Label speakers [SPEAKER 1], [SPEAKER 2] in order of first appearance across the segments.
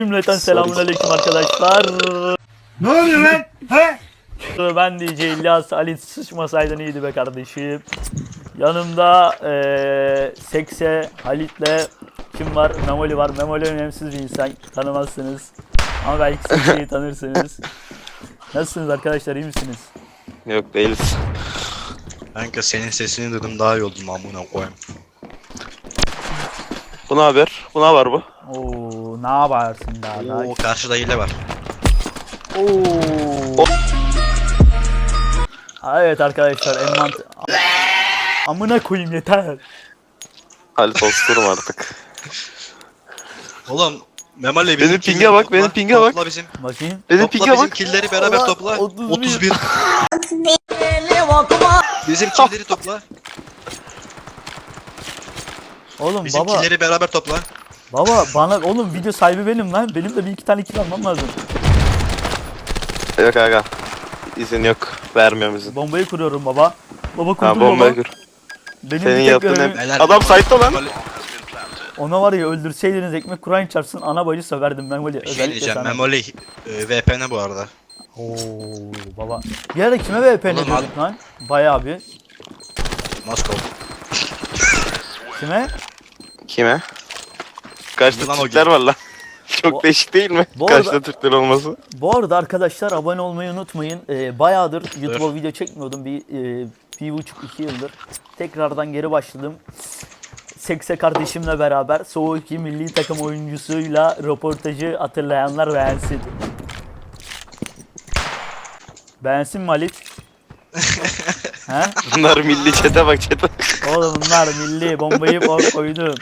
[SPEAKER 1] Cümleten selamünaleyküm arkadaşlar.
[SPEAKER 2] Ne oluyor lan? He?
[SPEAKER 1] Ben DJ İlyas. Ali sıçmasaydın iyiydi be kardeşim. Yanımda Sekse, Halit'le kim var? Memoli var. Memoli önemsiz bir insan. Tanımazsınız. Ama belki Sekse'yi tanırsınız. Nasılsınız arkadaşlar? İyi misiniz?
[SPEAKER 3] Yok değiliz.
[SPEAKER 2] Kanka senin sesini duydum daha iyi oldum amına koyayım.
[SPEAKER 3] Bu ne haber? Bu ne var bu?
[SPEAKER 1] Oo, ne yaparsın daha?
[SPEAKER 2] Oo karşıda hile var.
[SPEAKER 1] Oo. Evet arkadaşlar, amına koyayım yeter.
[SPEAKER 3] Halit osturum artık.
[SPEAKER 2] Oğlum Memali
[SPEAKER 3] Benim pinge bak, benim pinge bak.
[SPEAKER 2] Topla bizim.
[SPEAKER 1] Bakayım.
[SPEAKER 3] Benim
[SPEAKER 2] Topla
[SPEAKER 3] pinge
[SPEAKER 2] bizim
[SPEAKER 3] bak.
[SPEAKER 2] killleri beraber
[SPEAKER 1] Allah,
[SPEAKER 2] topla.
[SPEAKER 1] 31.
[SPEAKER 2] 31. Bizim killleri topla.
[SPEAKER 1] Oğlum
[SPEAKER 2] Bizim
[SPEAKER 1] baba,
[SPEAKER 2] killleri beraber topla.
[SPEAKER 1] bana oğlum video sahibi benim lan. Benim de bir iki tane kill almam lazım.
[SPEAKER 3] Yok aga. İzin yok. Vermiyorum izin.
[SPEAKER 1] Bombayı kuruyorum baba. Baba kurdum
[SPEAKER 3] Ha bombayı
[SPEAKER 1] baba.
[SPEAKER 3] kur.
[SPEAKER 1] Benim
[SPEAKER 3] Senin
[SPEAKER 1] bir tek
[SPEAKER 3] yaptığın
[SPEAKER 1] görevim-
[SPEAKER 3] hep...
[SPEAKER 2] Helal.
[SPEAKER 3] Adam site'da lan.
[SPEAKER 2] Memali,
[SPEAKER 1] Ona var ya, öldürseydiniz ekmek Kur'an çarpsın, ana bacı söverdim ben böyle.
[SPEAKER 2] bir şey
[SPEAKER 1] Özellikle
[SPEAKER 2] diyeceğim.
[SPEAKER 1] sana.
[SPEAKER 2] Memoli VPN bu arada.
[SPEAKER 1] Oo baba. Bir ara kime VP ne
[SPEAKER 2] Oğlum,
[SPEAKER 1] diyorduk lan? Bayağı bir.
[SPEAKER 2] Moskova.
[SPEAKER 1] Kime?
[SPEAKER 3] Kime? Kaçta
[SPEAKER 2] Lan o
[SPEAKER 3] Türkler
[SPEAKER 2] gün.
[SPEAKER 3] var lan. Çok
[SPEAKER 1] Bu-
[SPEAKER 3] değişik değil mi?
[SPEAKER 1] bu
[SPEAKER 3] Kaçta
[SPEAKER 1] arada-
[SPEAKER 3] Türkler olması?
[SPEAKER 1] Bu arada arkadaşlar, abone olmayı unutmayın. Bayağıdır YouTube'a video çekmiyordum. Bir buçuk iki yıldır. Tekrardan geri başladım. Sekse kardeşimle beraber Soğuk 2 milli takım oyuncusuyla röportajı hatırlayanlar beğensin. Beğensin mi Halit? He?
[SPEAKER 3] Bunlar milli çete bak çete.
[SPEAKER 1] Oğlum bunlar milli, bombayı koydum.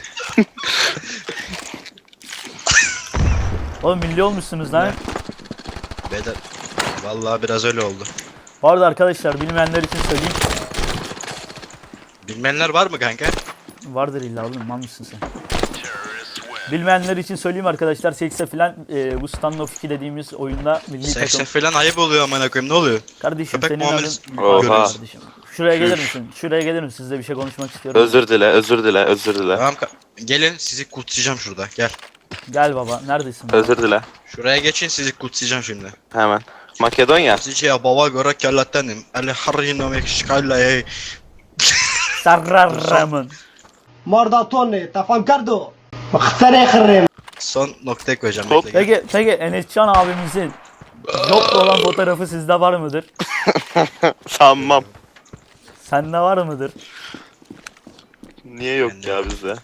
[SPEAKER 1] Oğlum milli olmuşsunuz lan.
[SPEAKER 2] Beyler. Vallahi biraz öyle oldu.
[SPEAKER 1] Bu arada arkadaşlar, bilmeyenler için söyleyeyim.
[SPEAKER 2] Bilmeyenler var mı kanka?
[SPEAKER 1] Vardır illa oğlum, mal mısın sen? Bilmeyenler için söyleyeyim arkadaşlar, Sekse filan bu Standoff 2 dediğimiz oyunda milli
[SPEAKER 2] 80
[SPEAKER 1] takım.
[SPEAKER 2] falan ayıp oluyor amına koyayım, ne oluyor?
[SPEAKER 1] Kardeşim
[SPEAKER 2] Köpek
[SPEAKER 1] senin
[SPEAKER 2] muamelesi
[SPEAKER 1] adın...
[SPEAKER 3] Oha.
[SPEAKER 2] görüyoruz.
[SPEAKER 1] Kardeşim. Şuraya gelir misin? Şuraya gelir misin? Sizle bir şey konuşmak istiyorum.
[SPEAKER 3] Özür dile, özür dile, özür dile.
[SPEAKER 2] Tamam gelin sizi kutsayacağım şurada, gel.
[SPEAKER 1] Gel baba, neredesin baba?
[SPEAKER 3] Özür dile.
[SPEAKER 2] Şuraya geçin, sizi kutsayacağım şimdi.
[SPEAKER 3] Hemen. Makedonya.
[SPEAKER 2] Sizi ya baba göre kellettenim. Ali harino mekşikayla
[SPEAKER 1] Sarrarramın.
[SPEAKER 4] Mordatone, t'as fan cardo. Mختار يخرم.
[SPEAKER 2] son noktaya koyacağım.
[SPEAKER 3] Hop.
[SPEAKER 2] Bekle, gel.
[SPEAKER 1] Peki Enescan abimizin jobla olan fotoğrafı sizde var mıdır?
[SPEAKER 3] Sanmam.
[SPEAKER 1] Sende var mıdır?
[SPEAKER 3] Niye yok ya bizde?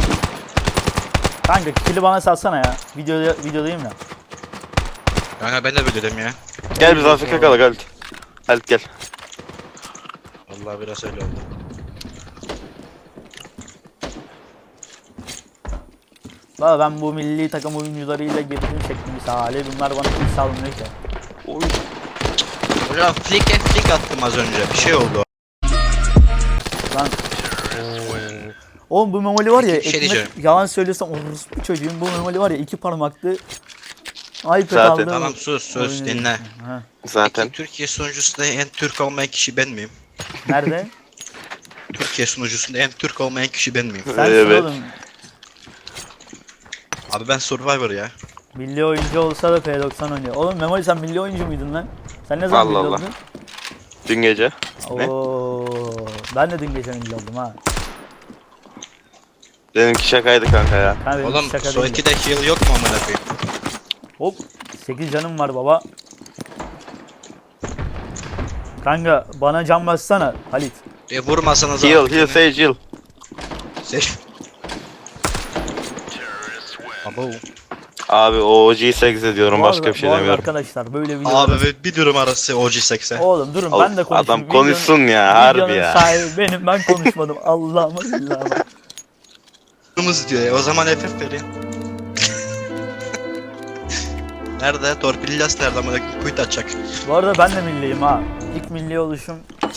[SPEAKER 1] Kanka kili bana salsana ya. Videodayım ya.
[SPEAKER 2] Kanka ben de böyle dedim ya.
[SPEAKER 3] Gel biz Afrika kalak Halit. Halit gel.
[SPEAKER 2] Vallahi biraz öyle oldu.
[SPEAKER 1] Valla ben bu milli takım oyuncularıyla girdim çektim misali. Bunlar bana kill salmıyor ki.
[SPEAKER 3] Oy.
[SPEAKER 2] Hocam flick attım az önce, bir şey oldu.
[SPEAKER 1] Lan. Oğlum bu memoli var ya,
[SPEAKER 2] Bir şey
[SPEAKER 1] ekmek,
[SPEAKER 2] diyeceğim.
[SPEAKER 1] yalan söylesem orospu çocuğum, bu memoli var ya 2 parmaklı iPad
[SPEAKER 3] Zaten.
[SPEAKER 1] aldım.
[SPEAKER 2] Tamam sus
[SPEAKER 1] Oynuyor.
[SPEAKER 2] dinle.
[SPEAKER 1] Ha.
[SPEAKER 3] Zaten.
[SPEAKER 2] Peki Türkiye sunucusunda en Türk olmayan kişi ben miyim?
[SPEAKER 1] Nerede?
[SPEAKER 2] Türkiye sunucusunda en Türk olmayan kişi ben miyim?
[SPEAKER 1] Sensin
[SPEAKER 3] Evet.
[SPEAKER 1] oğlum.
[SPEAKER 2] Abi ben Survivor ya.
[SPEAKER 1] Milli oyuncu olsa da P90 oynuyor. Oğlum memoli, sen milli oyuncu muydun lan? Sen ne zaman
[SPEAKER 3] Allah
[SPEAKER 1] milli
[SPEAKER 3] Allah.
[SPEAKER 1] oldun?
[SPEAKER 3] Dün gece. Ne?
[SPEAKER 1] Oo, ben de dün gece milli oldum ha.
[SPEAKER 3] Benimki şakaydı kanka ya.
[SPEAKER 1] Ha, benim
[SPEAKER 2] Oğlum
[SPEAKER 1] şaka
[SPEAKER 2] so
[SPEAKER 1] değildi.
[SPEAKER 2] 2'de heal yok mu amına koyayım?
[SPEAKER 1] Hop 8 canım var baba. Kanka bana can bassana Halit.
[SPEAKER 2] Vurmasanız
[SPEAKER 3] Heal, Sage heal.
[SPEAKER 2] Seç. Abo.
[SPEAKER 3] Abi o OG'yi 8 ediyorum,
[SPEAKER 1] Bu
[SPEAKER 3] başka
[SPEAKER 1] arada-
[SPEAKER 3] bir şey
[SPEAKER 1] bu arada
[SPEAKER 3] demiyorum.
[SPEAKER 1] arkadaşlar böyle video.
[SPEAKER 2] Abi bir durum arası OG8'e.
[SPEAKER 1] Oğlum durun, ben de konuşayım.
[SPEAKER 3] Adam konuşsun ya, harbi
[SPEAKER 1] Videonun
[SPEAKER 3] ya.
[SPEAKER 1] sahibi benim, ben konuşmadım. Allah'ıma billahi.
[SPEAKER 2] Durumumuz diyor ya, o zaman FF verin. Nerede? Torpillas nerede amına koyayım? Kuyut açacak.
[SPEAKER 1] Bu arada ben de milliyim ha. İlk milli oluşum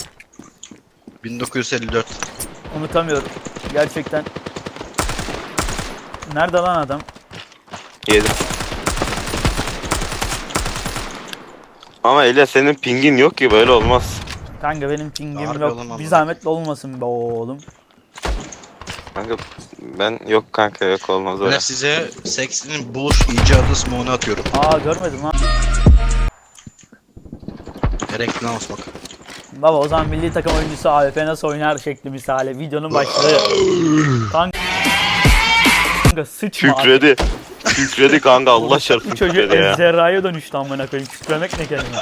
[SPEAKER 2] 1954.
[SPEAKER 1] unutamıyorum. Gerçekten. Nerede lan adam?
[SPEAKER 3] Yedim. Ama Elia senin pingin yok ki, böyle olmaz.
[SPEAKER 1] Kanka benim pingim
[SPEAKER 2] Harbi
[SPEAKER 1] yok.
[SPEAKER 2] oğlum,
[SPEAKER 1] Bir
[SPEAKER 2] anladım.
[SPEAKER 1] zahmet olmasın be oğlum.
[SPEAKER 3] Kanka Ben yok kanka, yok olmaz öyle.
[SPEAKER 2] Ben size seksinin buluş icadı smoke'unu atıyorum.
[SPEAKER 1] Aa görmedim lan.
[SPEAKER 2] Gerekli bak.
[SPEAKER 1] Baba o zaman milli takım oyuncusu AWP nasıl oynar şekli misali. Videonun başlığı. Kanka sıçma.
[SPEAKER 3] Kükredi. Kükredi kanka, Allah çarpsın
[SPEAKER 1] Bu çocuk
[SPEAKER 3] kükredi ya.
[SPEAKER 1] ejderhaya dönüştü amına koyayım. Kükremek ne kelime.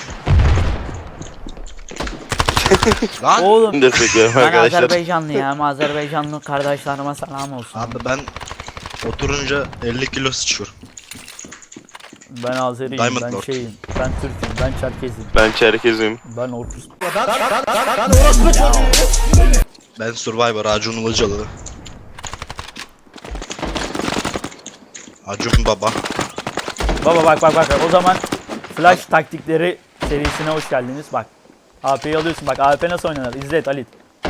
[SPEAKER 2] Lan
[SPEAKER 1] Oğlum
[SPEAKER 3] Destek verin
[SPEAKER 1] ben
[SPEAKER 3] arkadaşlar.
[SPEAKER 1] Azerbaycanlıyım. Azerbaycanlı kardeşlerime selam olsun.
[SPEAKER 2] abi ben oturunca 50 kilo sıçıyorum.
[SPEAKER 1] Ben Azeriyim,
[SPEAKER 2] Diamond
[SPEAKER 1] ben
[SPEAKER 2] Lord.
[SPEAKER 1] şeyim, ben Türk'üm, ben Çerkezim,
[SPEAKER 3] Ben Çerkez'im.
[SPEAKER 1] ben Orkus.
[SPEAKER 2] Ben Survivor Acun Ilıcalı. Acun Baba.
[SPEAKER 1] Baba bak o zaman Flash taktikleri serisine hoş geldiniz bak. AP'yi alıyorsun bak AP nasıl oynanır izlet Halit.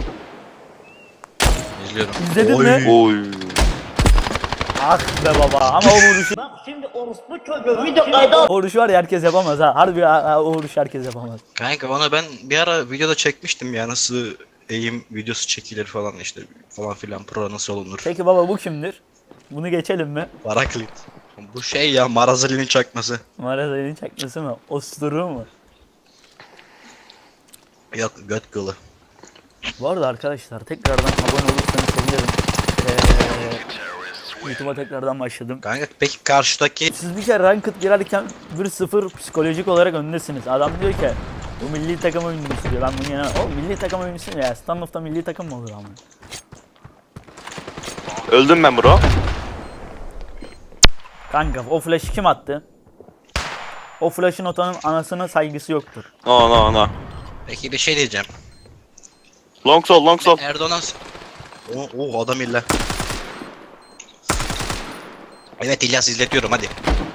[SPEAKER 2] İzliyorum.
[SPEAKER 1] İzledin
[SPEAKER 2] Oy.
[SPEAKER 1] mi?
[SPEAKER 3] Oy.
[SPEAKER 1] Ah be baba ama o vuruşu,
[SPEAKER 5] Şimdi orospu çocuğu video kaydı
[SPEAKER 1] o vuruşu var ya herkes yapamaz ha. Harbi o vuruşu herkes yapamaz.
[SPEAKER 2] Kanka ona ben bir ara videoda çekmiştim ya, nasıl eğim videosu çekilir falan işte falan filan, pro nasıl olunur.
[SPEAKER 1] Peki baba bu kimdir? Bunu geçelim mi?
[SPEAKER 2] Baraklit. Bu şey ya, Marazeli'nin çakması.
[SPEAKER 1] Marazeli'nin çakması mı? Osturu mu?
[SPEAKER 2] Yok, göt kılı.
[SPEAKER 1] Bu arada arkadaşlar tekrardan abone olursanız sevinirim. YouTube'a tekrardan başladım.
[SPEAKER 2] Kanka peki karşıdaki
[SPEAKER 1] Siz bir kere ranked girerken 1-0 psikolojik olarak öndesiniz. Adam diyor ki bu milli takım oyuncusu diyor. Ben bunu yenemem. O milli takım oyuncusu ne ya? Standoff'ta milli takım mı olur ama?
[SPEAKER 3] Öldüm ben bro.
[SPEAKER 1] Kanka o flash'ı kim attı? O flash'ın otanın anasına saygısı yoktur.
[SPEAKER 3] No no no.
[SPEAKER 2] peki bir şey diyeceğim.
[SPEAKER 3] Long sol long sol.
[SPEAKER 2] Erdoğan o adam illa. Evet İlyas, izletiyorum hadi.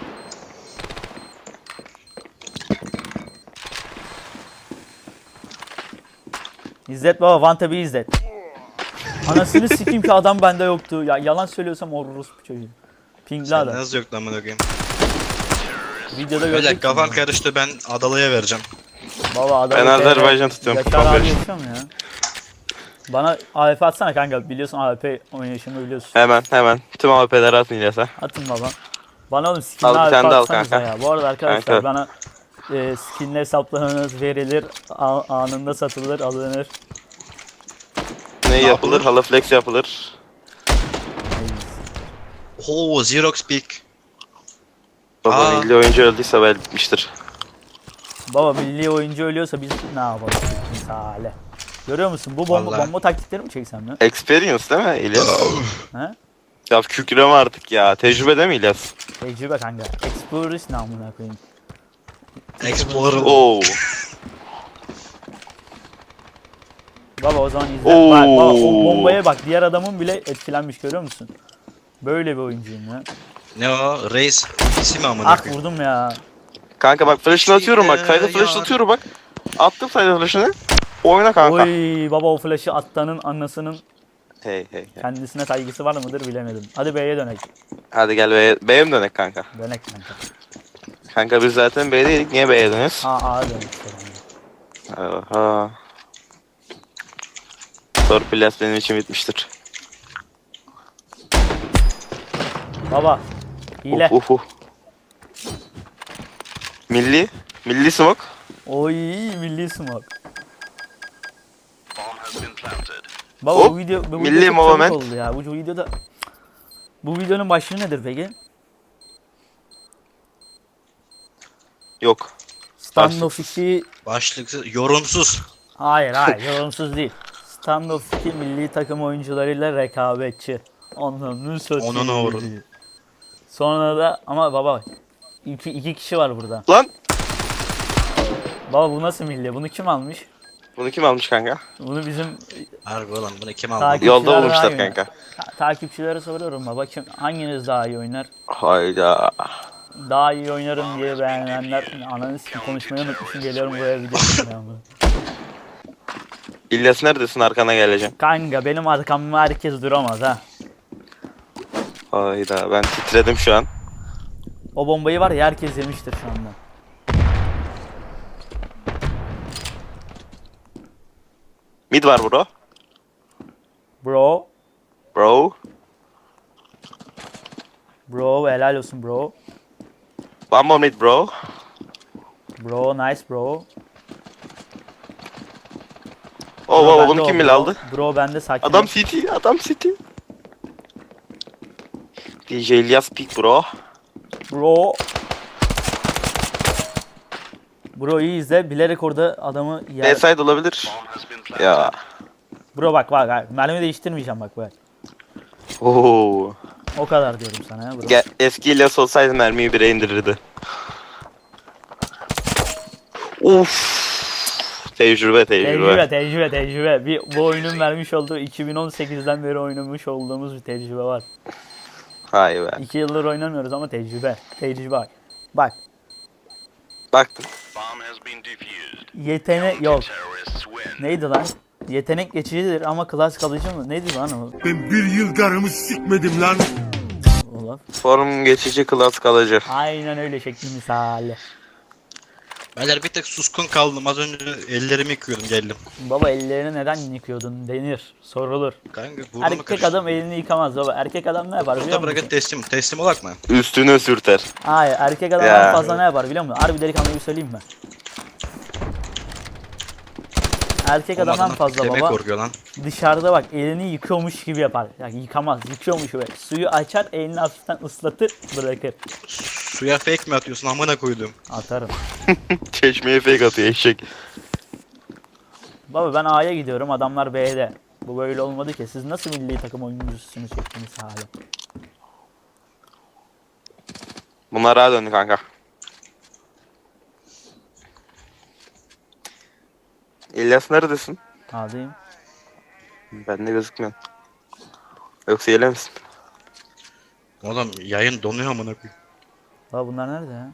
[SPEAKER 1] İzzet baba Vantab'i izlet. Anasını sikeyim ki adam bende yoktu. Ya yalan söylüyorsam oruruz bu çocuğu. Pingli
[SPEAKER 2] Sen
[SPEAKER 1] adam.
[SPEAKER 2] nasıl yok lan bunu koyayım.
[SPEAKER 1] Videoda
[SPEAKER 2] Öyle
[SPEAKER 1] gördük.
[SPEAKER 2] kafam karıştı, ben Adalı'ya vereceğim.
[SPEAKER 1] Baba adam.
[SPEAKER 3] Ben Azerbaycan tutuyorum.
[SPEAKER 1] Yaşar abi yaşıyor mu ya? Bana AWP atsana kanka. Biliyorsun AWP oynayışımı biliyorsun.
[SPEAKER 3] Hemen. Tüm AWP'leri atın İlyas'a.
[SPEAKER 1] Atın baba. Bana oğlum skinli
[SPEAKER 3] Al, bir
[SPEAKER 1] AWP
[SPEAKER 3] tane de al
[SPEAKER 1] atsanıza
[SPEAKER 3] kanka.
[SPEAKER 1] ya. Bu arada arkadaşlar
[SPEAKER 3] Kanka.
[SPEAKER 1] bana skinli hesaplarınız verilir. Anında satılır, alınır.
[SPEAKER 3] Ne yapılır? Hala flex yapılır.
[SPEAKER 2] Oo, Xerox Peak.
[SPEAKER 3] Baba
[SPEAKER 2] Aa.
[SPEAKER 3] milli oyuncu öldüyse bel bitmiştir.
[SPEAKER 1] Baba milli oyuncu ölüyorsa biz ne yapalım misale. Görüyor musun? Bu
[SPEAKER 2] Vallahi.
[SPEAKER 1] bomba taktikleri mi çeksem ya?
[SPEAKER 3] Experience değil mi İlyas?
[SPEAKER 1] He?
[SPEAKER 3] Ya kükreme artık ya. Tecrübe değil mi İlyas?
[SPEAKER 1] Tecrübe kanka. Explorers namına koyayım.
[SPEAKER 2] Explorer.
[SPEAKER 3] Oo.
[SPEAKER 1] Baba o zaman izle.
[SPEAKER 3] Oo.
[SPEAKER 1] Bak baba o bombaya bak. Diğer adamın bile etkilenmiş görüyor musun? Böyle bir oyuncuyum ya.
[SPEAKER 2] Ne o? Reis isim amına
[SPEAKER 1] Ah
[SPEAKER 2] koyayım.
[SPEAKER 1] vurdum ya.
[SPEAKER 3] Kanka bak flash'ını atıyorum bak. Sayda flash'ını atıyorum bak. Attım sayda flash'ını. Oyna kanka.
[SPEAKER 1] Oy baba o flash'ı attanın anasının
[SPEAKER 3] Hey.
[SPEAKER 1] kendisine saygısı var mıdır bilemedim. Hadi B'ye dönek.
[SPEAKER 3] Hadi gel B'ye mi dönek kanka?
[SPEAKER 1] Dönek kanka.
[SPEAKER 3] Kanka biz zaten B'deydik. Niye B'ye dönüyoruz?
[SPEAKER 1] A'ya dönek.
[SPEAKER 3] Oha. Torpilas benim için bitmiştir.
[SPEAKER 1] Baba. Hile.
[SPEAKER 3] Uf. Milli smoke.
[SPEAKER 1] Oy milli smoke. Baba
[SPEAKER 3] Hop,
[SPEAKER 1] bu video
[SPEAKER 3] milli
[SPEAKER 1] çok çabuk
[SPEAKER 3] moment.
[SPEAKER 1] oldu ya. Bu videoda bu videonun başlığı nedir peki?
[SPEAKER 3] Yok.
[SPEAKER 1] Standoff 2
[SPEAKER 2] Başlık yorumsuz.
[SPEAKER 1] hayır yorumsuz değil. Standoff 2 milli takım oyuncularıyla rekabetçi. Onların satayım.
[SPEAKER 2] Onunu vurun.
[SPEAKER 1] Sonra da ama baba iki kişi var burada.
[SPEAKER 3] Lan.
[SPEAKER 1] Baba bu nasıl milli? Bunu kim almış?
[SPEAKER 3] Bunu kim almış kanka?
[SPEAKER 1] Bunu bizim
[SPEAKER 2] Harbi olan bunu kim aldı?
[SPEAKER 1] Takip-
[SPEAKER 3] Yolda
[SPEAKER 1] Kişiler
[SPEAKER 3] bulmuşlar
[SPEAKER 1] daha iyi
[SPEAKER 3] kanka.
[SPEAKER 1] takipçilere soruyorum baba kim hanginiz daha iyi oynar?
[SPEAKER 3] Hayda.
[SPEAKER 1] Daha iyi oynarım diye beğenenler ananı sikim konuşmayı unutmuşum geliyorum buraya video çekmeye.
[SPEAKER 3] İlyas neredesin, arkana geleceğim.
[SPEAKER 1] Kanka benim arkamda herkes duramaz ha.
[SPEAKER 3] Hayda, ben titredim şu an.
[SPEAKER 1] O bombayı var ya herkes yemiştir şu anda.
[SPEAKER 3] Mid var bro.
[SPEAKER 1] Bro.
[SPEAKER 3] Bro.
[SPEAKER 1] Bro helal olsun bro.
[SPEAKER 3] One more mid bro.
[SPEAKER 1] Bro nice bro.
[SPEAKER 3] Oh
[SPEAKER 1] Bro,
[SPEAKER 3] oh
[SPEAKER 1] bende
[SPEAKER 3] bunu
[SPEAKER 1] o,
[SPEAKER 3] kim
[SPEAKER 1] bro.
[SPEAKER 3] bile aldı?
[SPEAKER 1] Bro bende sakin.
[SPEAKER 3] Adam
[SPEAKER 1] ol.
[SPEAKER 3] City, adam City. DJ İlyas pick bro.
[SPEAKER 1] Bro. Bro iyi izle. Bilerek orada adamı yer.
[SPEAKER 3] B-side olabilir. Ya.
[SPEAKER 1] Bro bak. Mermi değiştirmeyeceğim bak.
[SPEAKER 3] Oo.
[SPEAKER 1] O kadar diyorum sana ya bro.
[SPEAKER 3] Eski İlyas olsaydı mermiyi bire indirirdi. Uf. Tecrübe.
[SPEAKER 1] Tecrübe. Bu oyunun vermiş olduğu 2018'den beri oynamış olduğumuz bir tecrübe var.
[SPEAKER 3] Hay be.
[SPEAKER 1] 2 yıldır oynamıyoruz ama tecrübe. Tecrübe. Bak.
[SPEAKER 3] Baktım.
[SPEAKER 1] Yetenek yok. Neydi lan? Yetenek geçicidir ama klas kalıcı mı? Neydi lan o?
[SPEAKER 6] Ben bir yıl karımı sikmedim lan.
[SPEAKER 1] Olaf.
[SPEAKER 3] Form geçici klas kalıcı.
[SPEAKER 1] Aynen öyle şekli misali.
[SPEAKER 2] Beyler bir tek suskun kaldım. Az önce ellerimi yıkıyordum geldim.
[SPEAKER 1] Baba ellerini neden yıkıyordun denir. Sorulur.
[SPEAKER 2] Kanka burnumu
[SPEAKER 1] Erkek
[SPEAKER 2] karıştırdım.
[SPEAKER 1] adam elini yıkamaz baba. Erkek adam ne yapar biliyor
[SPEAKER 2] Burada
[SPEAKER 1] musun?
[SPEAKER 2] bırakın teslim olak mı?
[SPEAKER 3] Üstüne sürter.
[SPEAKER 1] Hayır erkek adam
[SPEAKER 3] Ya.
[SPEAKER 1] en fazla ne yapar biliyor musun? Harbi delikanlıyı söyleyeyim mi? Erkek adam en
[SPEAKER 2] Olmadan
[SPEAKER 1] fazla
[SPEAKER 2] demek
[SPEAKER 1] baba
[SPEAKER 2] korkuyor lan.
[SPEAKER 1] dışarıda bak elini yıkıyormuş gibi yapar. Yani yıkamaz, yıkıyormuş gibi. Suyu açar, elini hafiften ıslatır, bırakır.
[SPEAKER 2] Suya fake mi atıyorsun amına koydum.
[SPEAKER 1] Atarım.
[SPEAKER 3] Çeşmeye fake atıyor eşek.
[SPEAKER 1] Baba ben A'ya gidiyorum, adamlar B'de. Bu böyle olmadı ki. Siz nasıl milli takım oyuncusunuz çektiniz hali?
[SPEAKER 3] Bunlar rahat döndü kanka. İlyas neredesin?
[SPEAKER 1] A'dayım.
[SPEAKER 3] Bende gözükmüyor. Yoksa yele misin?
[SPEAKER 2] Oğlum yayın donuyor amına koyayım.
[SPEAKER 1] Baba bunlar nerede ya?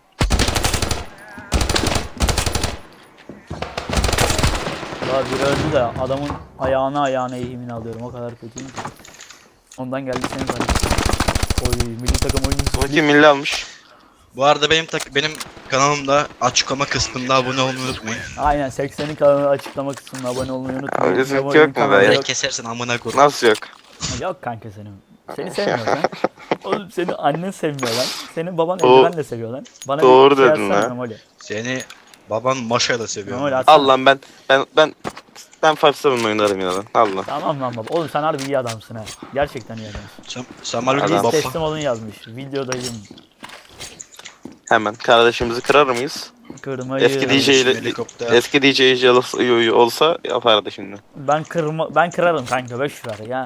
[SPEAKER 1] Baba biri öldü de adamın ayağına eğimini alıyorum. O kadar kötüyüm ki. Ondan geldi senin kardeşin. Oy milli takım oyuncusu.
[SPEAKER 3] Bu kim milli almış?
[SPEAKER 2] Bu arada benim kanalımda açıklama kısmında abone olmayı unutmayın.
[SPEAKER 1] Aynen 80'in kanalı açıklama kısmına abone olmayı unutmayın.
[SPEAKER 3] Öyle
[SPEAKER 1] Memo'nun
[SPEAKER 3] yok mu
[SPEAKER 1] kanalı
[SPEAKER 3] be?
[SPEAKER 1] yok.
[SPEAKER 2] Direkt kesersin amına koyayım.
[SPEAKER 3] Nasıl yok?
[SPEAKER 1] Yok kanka senin. Seni sevmiyor lan. Oğlum seni annen sevmiyor lan. Senin baban
[SPEAKER 3] O-
[SPEAKER 1] eldivenle seviyor lan. Bana
[SPEAKER 3] Doğru
[SPEAKER 1] bir şey
[SPEAKER 3] dedin
[SPEAKER 1] atsana
[SPEAKER 3] lan.
[SPEAKER 1] Memoli.
[SPEAKER 2] Seni baban maşayla seviyor.
[SPEAKER 1] Memoli atsana.
[SPEAKER 3] Al lan ben 5-7 oynarım ya lan. Allah.
[SPEAKER 1] Tamam lan baba. Oğlum sen harbi iyi adamsın ha. Gerçekten iyi adamsın.
[SPEAKER 2] Sen bana
[SPEAKER 3] Adam.
[SPEAKER 1] Biz
[SPEAKER 2] baba.
[SPEAKER 1] teslim olun yazmış. Videodayım.
[SPEAKER 3] Hemen kardeşimizi kırar mıyız?
[SPEAKER 1] Kırmayı.
[SPEAKER 3] Eski DJ ile
[SPEAKER 2] helikopter.
[SPEAKER 3] eski DJ olsa yapardı şimdi.
[SPEAKER 1] Ben kırarım kanka 5 ver ya.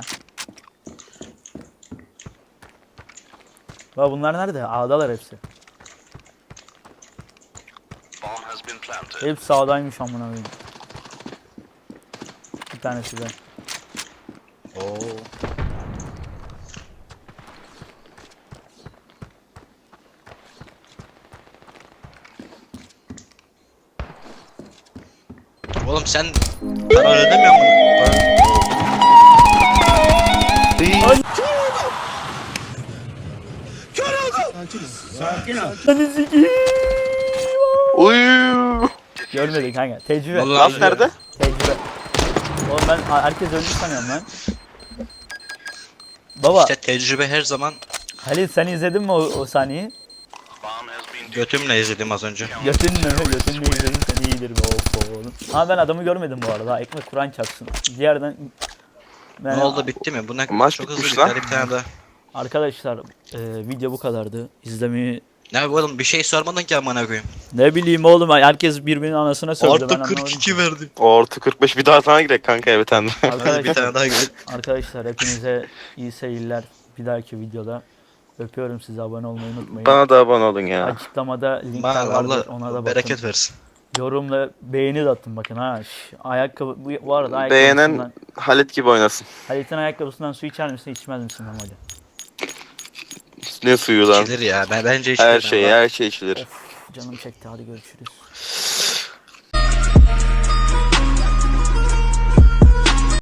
[SPEAKER 1] Baba bunlar nerede? A'dalar hepsi. Hepsi A'daymış amına koyayım. Bir tanesi de.
[SPEAKER 2] Oo. Oğlum sen para ödemiyor musun?
[SPEAKER 1] Hadi sikiyim.
[SPEAKER 3] Uy.
[SPEAKER 1] Görmedin kanka. Tecrübe.
[SPEAKER 2] Vallahi
[SPEAKER 3] Laf nerede?
[SPEAKER 1] Tecrübe. Oğlum ben herkes öldü sanıyorum lan. Baba
[SPEAKER 2] İşte tecrübe her zaman
[SPEAKER 1] Halil sen izledin mi o sahneyi?
[SPEAKER 2] götümle izledim az önce.
[SPEAKER 1] Götünle izledin sen iyidir be oğlum. Ama ben adamı görmedim bu arada. Ekmek Kur'an çarpsın. Diğerden ben,
[SPEAKER 2] Ne oldu bitti mi? Bu ne
[SPEAKER 3] Maç
[SPEAKER 2] çok
[SPEAKER 3] bitmiş
[SPEAKER 2] hızlı
[SPEAKER 3] lan.
[SPEAKER 2] bitti. Hadi bir tane daha.
[SPEAKER 1] Arkadaşlar video bu kadardı. İzlemeyi
[SPEAKER 2] Ne oğlum bir şey sormadın ki amına koyayım.
[SPEAKER 1] ne bileyim oğlum herkes birbirinin anasına sövdü. Ben
[SPEAKER 2] Artı
[SPEAKER 1] anlamadım
[SPEAKER 2] 42
[SPEAKER 1] ki.
[SPEAKER 2] verdi.
[SPEAKER 3] Orta 45 bir daha sana girek kanka evet tane.
[SPEAKER 2] Hadi bir
[SPEAKER 1] Arkadaşlar,
[SPEAKER 2] tane daha gel.
[SPEAKER 1] arkadaşlar hepinize iyi seyirler. Bir dahaki videoda öpüyorum sizi, abone olmayı unutmayın.
[SPEAKER 3] Bana da abone olun ya.
[SPEAKER 1] Açıklamada linkler
[SPEAKER 2] Bana
[SPEAKER 1] vardır,
[SPEAKER 2] Allah
[SPEAKER 1] ona da bakın.
[SPEAKER 2] bereket versin.
[SPEAKER 1] Yorumla beğeni de atın bakın ha. Ayakkabı bu arada
[SPEAKER 3] Beğenen
[SPEAKER 1] ayakkabısından,
[SPEAKER 3] Halit gibi oynasın.
[SPEAKER 1] Halit'in ayakkabısından su içer misin içmez misin Memoli?
[SPEAKER 3] Ne suyu lan?
[SPEAKER 2] İçilir ya. Bence içilir.
[SPEAKER 3] Her şey içilir.
[SPEAKER 1] Canım çekti, hadi görüşürüz.